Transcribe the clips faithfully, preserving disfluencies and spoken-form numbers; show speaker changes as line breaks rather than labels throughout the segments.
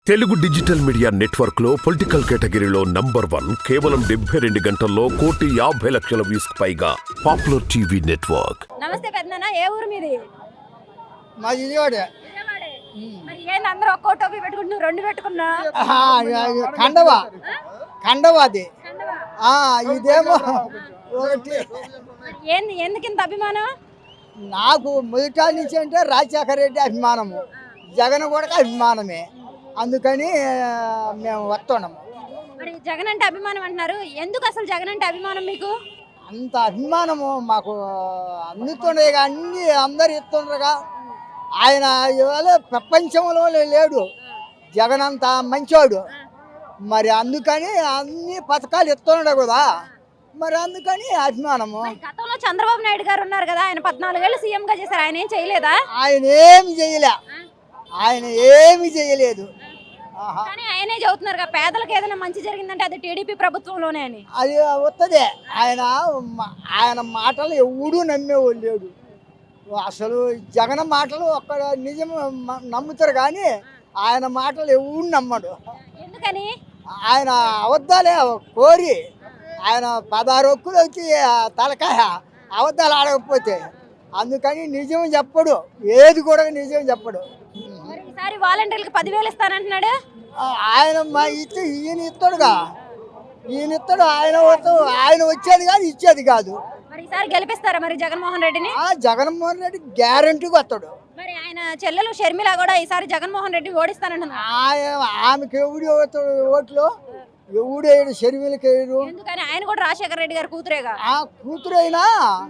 Telugu digital media network లో political కేటగిరీలో number one కేవలం డెబ్బై రెండు గంటల్లో కోటి యాభై లక్షల వ్యూస్ పైగా పాపులర్ టీవీ నెట్వర్క్.
నమస్తే పెద్దనా, ఏ ఊరు మీది?
మా విజయవాడ.
మరి ఏంది అందరూ ఒక్కో టోపీ పెట్టుకుంటున్నారు, రెండు పెట్టుకున్నా?
కండవా కండవా అది. ఇదేమో ఒకటి.
ఏంది ఎందుకు ఇంత అభిమానం?
నాకు మొదట నుంచి అంటే రాజశేఖర రెడ్డి అభిమానము, జగన్ కూడా అభిమానమే, అందుకని మేము వస్తున్నాము.
మరి జగన్ అంటే అభిమానం అంటున్నారు, ఎందుకు అసలు జగన్ అంటే అభిమానం మీకు?
అంత అభిమానము మాకు అందుతుండే, అన్ని అందరు ఇస్తుండగా ఆయన ఇవాళ ప్రపంచంలో లేడు, జగన్ అంత మంచోడు. మరి అందుకని అన్ని పథకాలు ఇస్తుండే కదా, మరి అందుకని అభిమానము.
గతంలో చంద్రబాబు నాయుడు గారు ఉన్నారు కదా, ఆయన పద్నాలుగేళ్ళు సీఎం గా చేశారు, ఆయన ఏం చేయలేదా?
ఆయన ఏమి చేయలే, ఆయన ఏమి చేయలేదు.
కానీ ఆయనే చెబుతున్నారు కదా, పేదలకు ఏదైనా మంచి జరిగిందంటే అది టీడీపీ ప్రభుత్వంలోనే అని.
అది వస్తుంది. ఆయన ఆయన మాటలు ఎవడూ నమ్మేవాళ్ళు లేడు. అసలు జగన్ మాటలు ఒక్క నిజం నమ్ముతారు, కానీ ఆయన మాటలు ఎవడు నమ్మడు.
ఎందుకని?
ఆయన అబద్ధాలే కోరి, ఆయన పదహారు ఒక్కులు వచ్చి తలకాయ అబద్ధాలు ఆడకపోతే, అందుకని నిజం చెప్పడు, ఏది కూడా నిజం చెప్పడు.
ఈసారి వాలంటీర్లకు పదివేలు ఇస్తానంటున్నాడు
ఆయన. మా ఇచ్చి ఈయన ఇస్తాడుగా, ఈయన ఇస్తాడు, ఆయన ఆయన వచ్చేది కాదు, ఇచ్చేది కాదు.
మరి ఈసారి గెలిపిస్తారా మరి జగన్మోహన్ రెడ్డిని?
జగన్మోహన్ రెడ్డి గ్యారంటీగా వస్తాడు.
మరి ఆయన చెల్లెలు షర్మిల కూడా ఈసారి జగన్మోహన్ రెడ్డి ఓడిస్తానంటున్నారు.
ఆమెకి ఎవడు ఓతాడు ఓట్లు, ఎవడేడు షర్మిలకి వేయడు.
ఎందుకని? ఆయన కూడా రాజశేఖర రెడ్డి గారు కూతురేగా.
ఆ కూతురైనా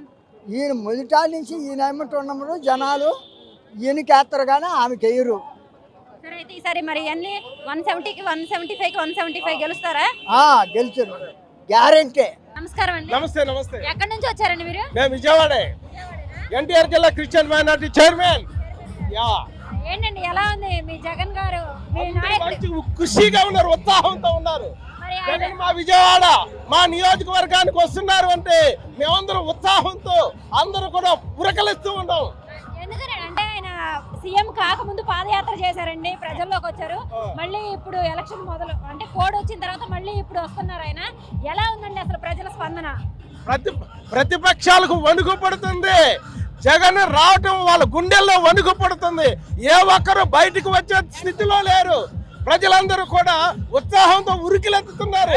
ఈయన మొదట నుంచి ఈయన ఏమంటున్నప్పుడు జనాలు ఈయనకి వేస్తారు, కానీ ఆమెకి వేయరు.
సరే, అయితే ఈసారి మరి అన్ని వన్ సెవెంటీకి వన్ సెవెంటీ ఫైవ్ కి వన్ సెవెంటీ ఫైవ్ గెలుస్తారా?
గెలిచారు, గ్యారంటీ.
నమస్కారం అండి.
నమస్తే. నమస్తే.
ఎక్కడి నుంచి వచ్చారండి మీరు?
మేము విజయవాడే, ఎన్టీఆర్ జిల్లా క్రిస్టియన్ మైనారిటీ చైర్మన్. యా,
ఏంటండి ఎలా ఉంది మీ జగన్ గారు, మీ నాయకుడు?
ఖుషిగా ఉన్నారు, ఉత్సాహంతో ఉన్నారు. జగన్ మా విజయవాడ మా నియోజకవర్గానికి వస్తున్నారు అంటే మేమందరం ఉత్సాహంతో అందరూ కూడా పురకలిస్తూ ఉన్నాం.
ఎందుకని అంటే ఆయన సీఎం కాకముందు పాదయాత్ర చేశారండి, ప్రజల్లోకి వచ్చారు. మళ్ళీ ఇప్పుడు ఎలక్షన్ మొదలు అంటే కోడ్ వచ్చిన తర్వాత మళ్ళీ ఇప్పుడు వస్తున్నారు ఆయన. ఎలా ఉందండి అసలు ప్రజల స్పందన?
ప్రతి ప్రతిపక్షాలకు వణుకు పడుతుంది, జగన్ రావటం వాళ్ళ గుండెల్లో వణుకు పడుతుంది. ఏ ఒక్కరు బయటకు వచ్చే స్థితిలో లేరు, ప్రజలందరూ కూడా ఉత్సాహంతో ఉరికిలెత్తుతున్నారు.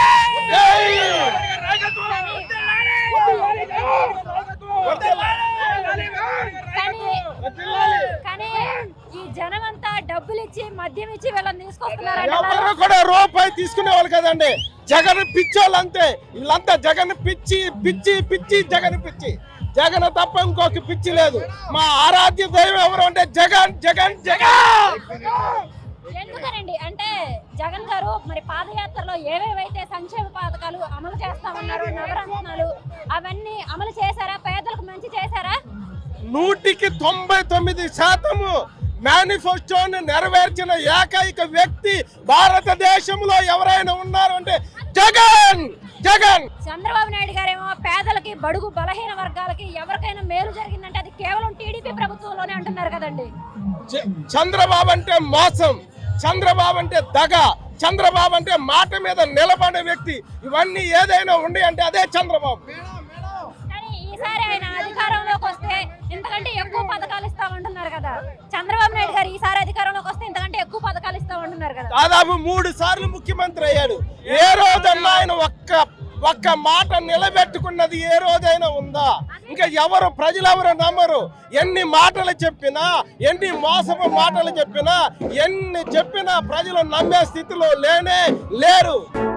కానీ ఈ జనం అంతా డబ్బులు ఇచ్చి మద్యం ఇచ్చి వీళ్ళని తీసుకొస్తున్నారు.
ఎవరు కూడా రూపాయి తీసుకునే వాళ్ళు కదండి, జగన్ పిచ్చోళ్ళు అంతే. వీళ్ళంతా జగన్ పిచ్చి పిచ్చి పిచ్చి జగన్ పిచ్చి, జగన్ తప్ప ఇంకొక పిచ్చి లేదు. మా ఆరాధ్య దైవం ఎవరు అంటే జగన్ జగన్ జగన్.
ఎందుకనండి అంటే జగన్ గారు మరి పాదయాత్రలో ఏవేవైతే సంక్షేమ పథకాలు అమలు చేస్తామన్నారు, నవరత్నాలు అవన్నీ అమలు చేశారా? పేదలకు మంచి చేశారా?
నూటికి తొంభై తొమ్మిది శాతము మేనిఫెస్టోని నెరవేర్చిన ఏకైక వ్యక్తి భారతదేశంలో ఎవరైనా ఉన్నారు అంటే జగన్ జగన్.
చంద్రబాబు నాయుడు గారేమో పేదలకి, బడుగు బలహీన వర్గాలకి ఎవరికైనా మేలు జరిగిందంటే అది కేవలం టీడీపీ ప్రభుత్వంలోనే అంటున్నారు కదండి.
చంద్రబాబు అంటే మోసం, చంద్రబాబు అంటే దగ, చంద్రబాబు అంటే మాట మీద నిలబడే వ్యక్తి. ఇవన్నీ ఏదైనా ఉండి అంటే అదే చంద్రబాబు.
కానీ ఈసారి ఆయన అధికారంలోకి వస్తే ఇంతకంటే ఎక్కువ పథకాలు ఇస్తామంటున్నారు కదా. చంద్రబాబు నాయుడు గారు ఈసారి అధికారంలోకి వస్తే ఇంతకంటే ఎక్కువ పథకాలు ఇస్తామంటున్నారు కదా.
దాదాపు మూడు సార్లు ముఖ్యమంత్రి అయ్యాడు. ఏ రోజన్నా ఆయన ఒక్క ఒక్క మాట నిలబెట్టుకున్నది ఏ రోజైనా ఉందా? ఇంకా ఎవరు ప్రజలు ఎవరు నమ్మరు. ఎన్ని మాటలు చెప్పినా, ఎన్ని మోసపు మాటలు చెప్పినా, ఎన్ని చెప్పినా ప్రజలు నమ్మే స్థితిలో లేనే లేరు.